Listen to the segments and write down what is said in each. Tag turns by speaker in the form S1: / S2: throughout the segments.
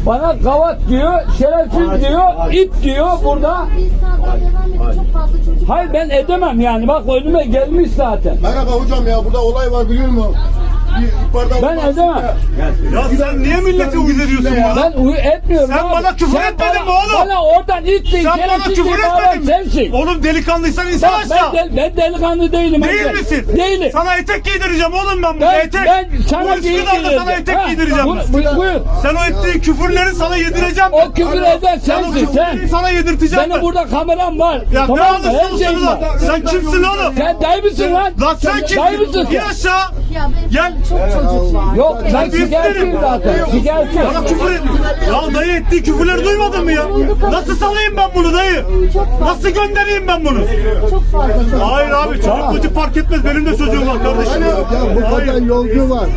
S1: Bana gavat diyor, şerefsiz diyor, it diyor burada.
S2: Biz sağdan devam edip çok fazla çocuk.
S1: Hayır ben edemem yani. Bak önüme gelmiş zaten.
S3: Merhaba hocam ya burada olay var biliyor musun?
S1: Ben edemem.
S4: Ya sen niye millete uyuz ediyorsun bana?
S1: Ben etmiyorum.
S4: Sen
S1: abi.
S4: bana küfür
S1: Sen
S4: etmedin mi
S1: bana-
S4: oğlum?
S1: Bana oradan it değil,
S4: Sen bana
S1: şerefsiz
S4: küfür
S1: diye bağıran
S4: etmedin mi?
S1: sensin.
S4: Oğlum delikanlıysan insan
S1: Bak,
S4: aşağı.
S1: ben delikanlı değilim.
S4: Değil
S1: amca.
S4: misin?
S1: Değilim.
S4: Sana etek giydireceğim oğlum ben burada etek.
S1: Ben sana
S4: Bu Üsküdar'da sana etek giydireceğim.
S1: Buyur.
S4: Sen o ettiğin küfürleri sana yedireceğim.
S1: O küfür eden
S4: Sen o
S1: sensin
S4: küfürleri
S1: sen.
S4: sana yedirteceğim
S1: Senin
S4: ben.
S1: burada kameram var.
S4: Ya
S1: Tamam
S4: ne
S1: mı?
S4: alırsan
S1: Her şeyim
S4: olsun
S1: var.
S4: lan. Sen kimsin oğlum?
S1: Sen dayı mısın lan?
S4: Lan sen
S1: Dayı mısın
S4: kimsin? İn
S1: sen?
S4: aşağı.
S2: Ya benim
S4: Gel.
S2: çok çocuk var.
S1: Yok ben
S4: Biz
S1: şikayetçiyim
S4: derim.
S1: zaten. Şikayetçiyim.
S4: Bana küfür et. Ya dayı ettiği küfürleri duymadın mı ya? Nasıl salayım ben bunu dayı?
S2: Çok fazla.
S4: Nasıl göndereyim ben bunu?
S2: Çok fazla çocuk.
S4: Hayır abi çocuk fark etmez. Benim de çocuğum var kardeşim.
S3: Ya bu kadar yolcu var.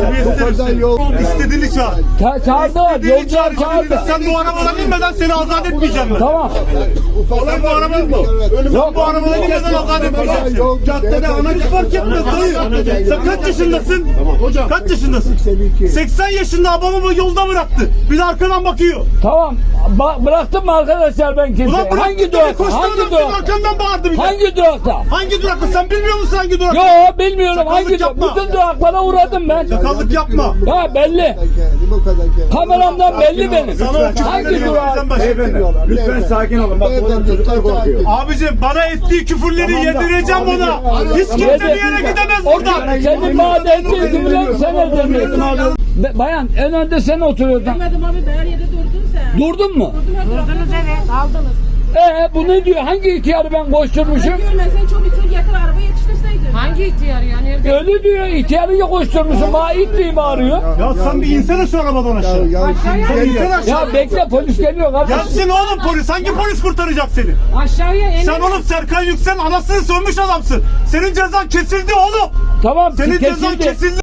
S3: Bu kadar yol.
S4: İstediğini çağır.
S1: Çağırdı.
S4: İstediğini
S1: Yolcular çağırdı.
S4: Sen bu arabadan inmeden seni azat etmeyeceğim ben.
S1: Tamam.
S4: Sen bu arabadan
S1: Yok.
S4: bu arabadan inmeden azat etmeyeceğim seni. Caddede anacı fark etmez dayı. Sen kaç yaşındasın?
S3: Hocam.
S4: Kaç yaşındasın? 80 yaşında babamı yolda bıraktı. Bir de arkadan bakıyor.
S1: Tamam. Bıraktım mı arkadaşlar ben kimseyi?
S4: Ulan bıraktı
S1: Hangi
S4: dedi,
S1: durakta?
S4: koştu
S1: Hangi
S4: adam senin
S1: durakta?
S4: arkandan bağırdı bir de.
S1: Hangi durakta?
S4: Hangi durakta? Sen bilmiyor musun hangi durakta?
S1: Yo bilmiyorum.
S4: Sakallık
S1: Hangi durakta?
S4: yapma.
S1: Bütün duraklara uğradım ben.
S4: Sakallık yapma.
S1: Ya belli.
S3: Bu kadar geldi.
S1: Kameramdan belli benim.
S4: Sana o küfürleri
S1: Hangi
S4: yedireceğim
S1: durak?
S4: başım.
S3: Lütfen sakin olun. Bak oradan çocuklar korkuyor.
S4: Abicim bana ettiği küfürleri yedireceğim ona. Hiç kimse bir yere gidemez buradan.
S1: Senin madde ettiğin küfürleri sen edemiyorsun. Bayan en önde sen oturuyordun.
S5: Görmedim abi, her yerde durdun sen.
S1: Durdun mu?
S5: Durdunuz evet, aldınız.
S1: Bu ne diyor? Hangi ihtiyarı ben koşturmuşum?
S5: Görmesen çok itin getir araba yetiştirseydin. Hangi ihtiyar yani?
S1: Öyle diyor. İhtiyarı ya koşturmuşum. Bana it diye bağırıyor.
S4: Ya sen bir insene şu arabadan aşağı. Sen insene aşağı.
S1: Ya bekle polis geliyor kardeşim.
S4: Gelsin oğlum polis. Hangi polis kurtaracak seni?
S5: Aşağıya en
S4: Sen oğlum Serkan Yüksel anasını sövmüş adamsın. Senin cezan kesildi oğlum.
S1: Tamam
S4: Senin cezan
S1: kesildi.
S4: kesildi.